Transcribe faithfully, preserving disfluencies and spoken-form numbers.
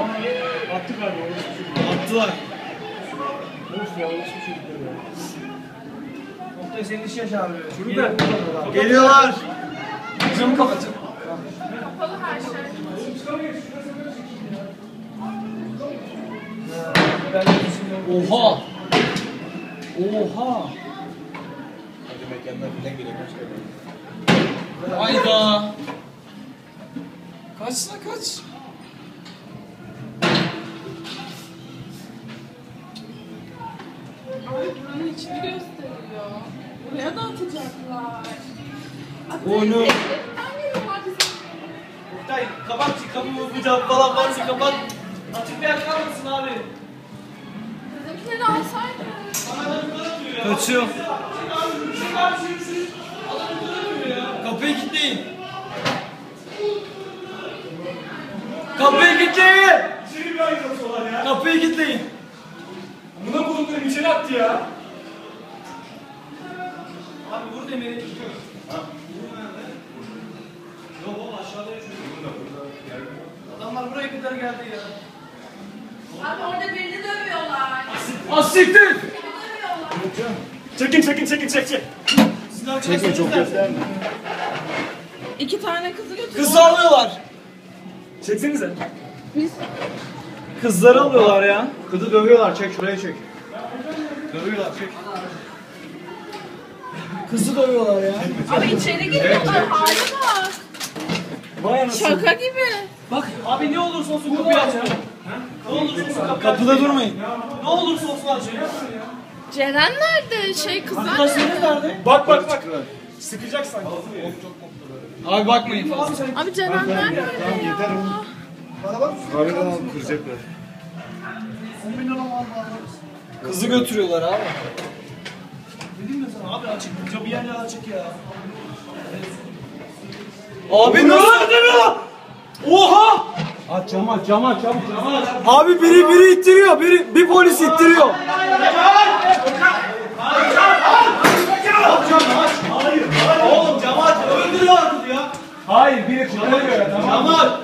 Attı galiba. Attılar. Of ya, orası çocuklar ya. Oktay senin işi yaş abi. Çocuklar. Geliyorlar. Camı kapatın. Kapalı her şey. Oha. Oha. Hadi mekanlar filan geliyor. Kaç kere. Hayda. Kaçsana kaç. Abi buranın içini gösteriyor. Buraya da atacaklar. Onu. Oktay kapat kapımı bu cam falan varsa kapat. Açık bir yer kalmasın abi. Bizimkileri alsaydın. Kaçıyor. Kapıyı kilitleyin. Kapıyı kilitleyin. İçeri bir ayrılıyorlar ya. Kapıyı kilitleyin. Buna bulunduklarım içeri attı ya. Abi vur demiri. Yok oğlum aşağıda yaşıyor. Adamlar buraya kadar geldi ya. Abi orada birini dövüyorlar. Asiktir. Birini dövüyorlar. Çekin çekin çekin çek çek. Çekme çok gösterme. İki tane kızı götürüyorlar. Kızı alıyorlar. Çeksenize. Kızları alıyorlar ya. Kızı dövüyorlar, çek şuraya çek. Dövüyorlar, çek. Kızı dövüyorlar ya. Abi içeri giriyorlar. Hali bak. Vay anasını. Şaka gibi. Bak abi ne olursa olsun kapıyı aç. Ne olursa olsun kapıyı Kapıda durmayın. Ne olursa olsun aç. Ceren nerede? Şey kızlar Arkadaşlarınız nerede? nerede? Bak bak bak. Sıkacak sanki. Abi bakmayın fazla. Abi Ceren nerede? Tamam yeter oğlum. Kahveden alıp kıracaklar. Kızı götürüyorlar abi. Dedim mi sana abi açık. Camı yerle açık ya. Abi ne oluyor? Oha! Aç cam aç cam aç cam aç. Abi biri biri ittiriyor. Biri bir polis ittiriyor. Oğlum camı aç. Öldürüyor kızı ya. Hayır biri kurtarıyor ya tamam. Camı aç.